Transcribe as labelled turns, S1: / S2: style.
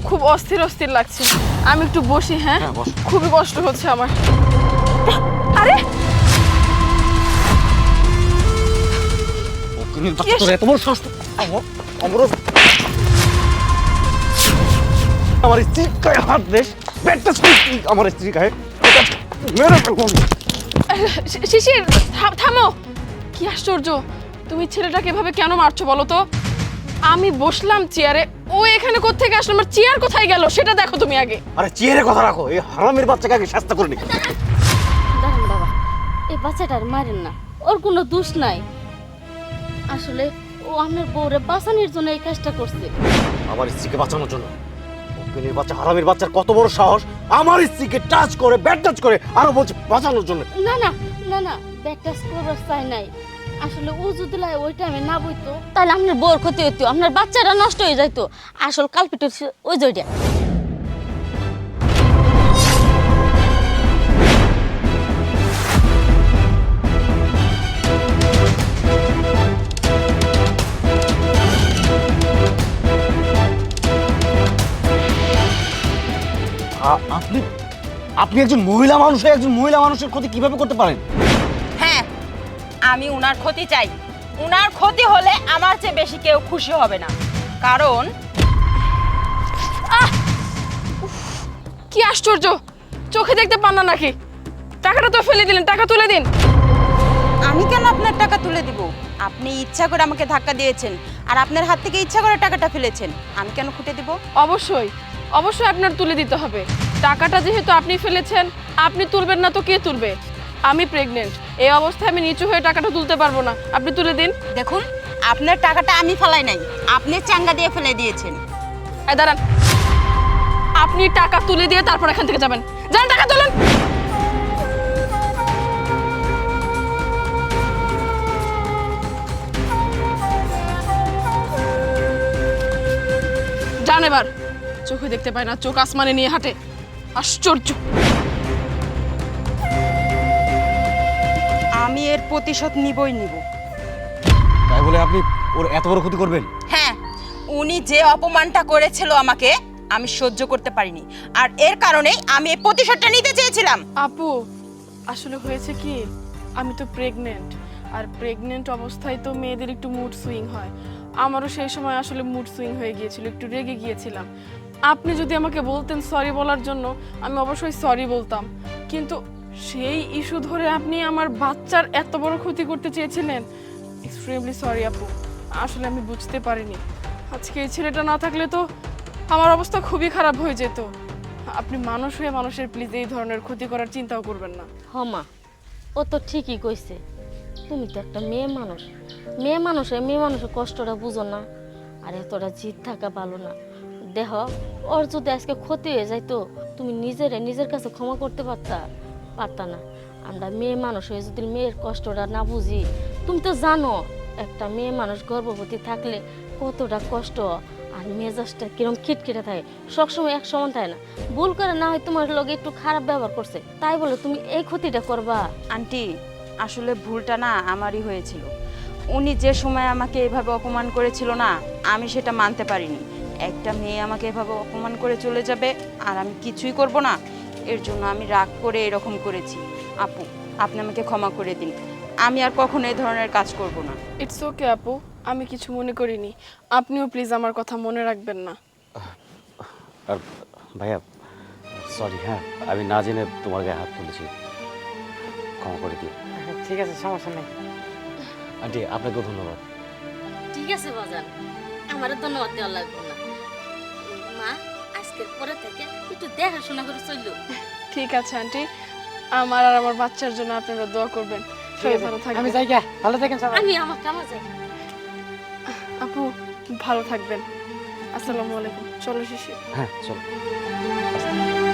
S1: খুব অস্থির অস্থির লাগছে, আমি একটু বসি। হ্যাঁ, খুবই কষ্ট হচ্ছে আমার। আরে
S2: আমার স্ত্রী গায়ে হাত দেশ, আমার স্ত্রী গায়ে
S1: শিশির, থামো। কি আশ্চর্য, তুমি ছেলেটাকে এভাবে কেন মারছো বলো তো? আমি বসলাম চেয়ারে, ও এখানে কোত্থেকে আসলো? আমার চেয়ার কোথায় গেল সেটা দেখো তুমি আগে।
S2: আরে চেয়ারের কথা রাখো, এই হারামের বাচ্চাকে আগে শাস্তি করে নি।
S3: দেখেন বাবা, এই বাচ্চাটার মারেন না, ওর কোনো দোষ নাই। আসলে ও আপনার বউরে বাঁচানোর জন্য এই কাজটা করছে।
S2: আমার স্ত্রীকে বাঁচানোর জন্য? অজ্ঞানীর বাচ্চা, হারামের বাচ্চার কত বড় সাহস আমার স্ত্রীকে টাচ করে, ব্যাট টাচ করে, আরো বলছে বাঁচানোর জন্য।
S3: না না না না, ব্যাট টাচ করার চাই নাই। আসলে ও যদি ওই টাইমে না বইতো তাহলে আপনার বউর ক্ষতি হইতো, আপনার বাচ্চারা নষ্ট হয়ে যাইতো। আসল কালপিট ওই জয়টা।
S2: আপনি আপনি একজন মহিলা মানুষ হয়ে একজন মহিলা মানুষের ক্ষতি কিভাবে করতে পারেন?
S4: হ্যাঁ, আমি উনার ক্ষতি চাই। উনার ক্ষতি হলে আমার চেয়ে বেশি কেউ খুশি হবে না। কারণ
S1: কি আশ্চর্য, চোখে দেখতে পান না নাকি? টাকাটা তো ফেলে দিলেন, টাকা তুলে দিন।
S4: আমি কেন আপনার টাকা তুলে দিব? আপনি ইচ্ছা করে আমাকে ধাক্কা দিয়েছেন, আর আপনার হাত থেকে ইচ্ছা করে টাকাটা ফেলেছেন। আমি কেন খুঁটে দিব?
S1: অবশ্যই অবশ্যই আপনার তুলে দিতে হবে। টাকাটা যেহেতু আপনি ফেলেছেন, আপনি তুলবেন না তো কে তুলবে? আমি প্রেগনেন্ট, এই অবস্থায় আমি নিচু হয়ে টাকাটা তুলতে পারবো না, আপনি তুলে দিন।
S4: দেখুন, আপনার টাকাটা আমি ফেলাই নাই, আপনি চাঙ্গা দিয়ে ফেলে দিয়েছেন।
S1: এই দাঁড়ান, আপনি টাকা তুলে দিয়ে তারপর এখান থেকে যাবেন। যান, টাকা তুলুন। যান এবার। চোখে দেখতে পায় না, চোখ আসমানে নিয়ে হাঁটে। আশ্চর্য।
S4: আমি এর প্রতিশোধ নিবই নিব।
S2: তাই বলে আপনি ওর এত বড় ক্ষতি করবেন?
S4: হ্যাঁ, উনি যে অপমানটা করেছিল আমাকে, আমি সহ্য করতে পারিনি, আর এর কারণেই আমি এই প্রতিশোধটা নিতে চেয়েছিলাম।
S1: আপু, আসলে হয়েছে কি, আমি তো প্রেগনেন্ট, আর প্রেগনেন্ট অবস্থায় তো মেয়েদের একটু মুড সুইং হয়। আমারও সেই সময় আসলে মুড সুইং হয়ে গিয়েছিল, একটু রেগে গিয়েছিলাম। আপনি যদি আমাকে বলতেন সরি বলার জন্য, আমি অবশ্যই সরি বলতাম, কিন্তু সেই ইস্যু ধরে আপনি আমার বাচ্চার এত বড় ক্ষতি করতে চেয়েছিলেন। এক্সট্রিমলি সরি আপু, আসলে আমি বুঝতে পারিনি। আজকে এই ছেলেটা না থাকলে তো আমার অবস্থা খুবই খারাপ হয়ে যেত। আপনি মানুষ হয়ে মানুষের প্লিজ এই ধরনের ক্ষতি করার চিন্তাও করবেন না।
S3: হমা, ও তো ঠিকই কইছে। তুমি তো একটা মেয়ে মানুষ, মেয়ে মানুষের কষ্টটা বুঝো না। আর এতটা জিদ থাকা ভালো না। দেহ, ওর যদি আজকে ক্ষতি হয়ে যাইতো, তুমি নিজের কাছে ক্ষমা করতে পারতা না। আমরা মেয়ে মানুষ হয়ে যদি মেয়ের কষ্টটা না বুঝি, তুমি তো জানো একটা মেয়ে মানুষ গর্ভবতী থাকলে কতটা কষ্ট, আর মেজাজটা কিরম খিটখিটে থাকে, সবসময় এক সমান থাকে না। ভুল করে না হয় তোমার লগে একটু খারাপ ব্যবহার করছে, তাই বলে তুমি এই ক্ষতিটা করবা?
S4: আন্টি, আসলে ভুলটা না আমারই হয়েছিল। উনি যে সময় আমাকে এভাবে অপমান করেছিল না, আমি সেটা মানতে পারিনি। একটা মেয়ে আমাকে এভাবে অপমান করে চলে যাবে আর আমি কিছুই করব না, এর জন্য আমি রাগ করে এরকম করেছি। আপু, আপনি আমাকে ক্ষমা করে দিন, আমি আর কখনো এই ধরনের কাজ করব না।
S1: ইটস ওকে আপু, আমি কিছু মনে করিনি। আপনিও প্লিজ আমার কথা মনে রাখবেন না।
S2: আর ভাইয়া সরি, হ্যাঁ আমি না জেনে তোমার গায়ে হাত তুলেছি, ক্ষমা করে দিও।
S5: ঠিক আছে, সমস্যা নেই।
S2: আন্টি আপনাকেও ধন্যবাদ।
S3: ঠিক আছে বাজান, আমারও ধন্যবাদ দেওয়া লাগবে না। মা, আজকের পরে থেকে একটু দেখাশোনা করে চললো।
S1: ঠিক আছে আন্টি, আমার আর আমার বাচ্চার জন্য আপনারা দোয়া করবেন। সবাই ভালো
S5: আমি
S1: থাকবেন।
S5: যাই গা, ভালো থাকেন সবাই।
S3: আমি আমার কামে যাই।
S1: আপু ভালো থাকবেন। আসসালামু আলাইকুম। চলো শিশির।
S2: হ্যাঁ চলো।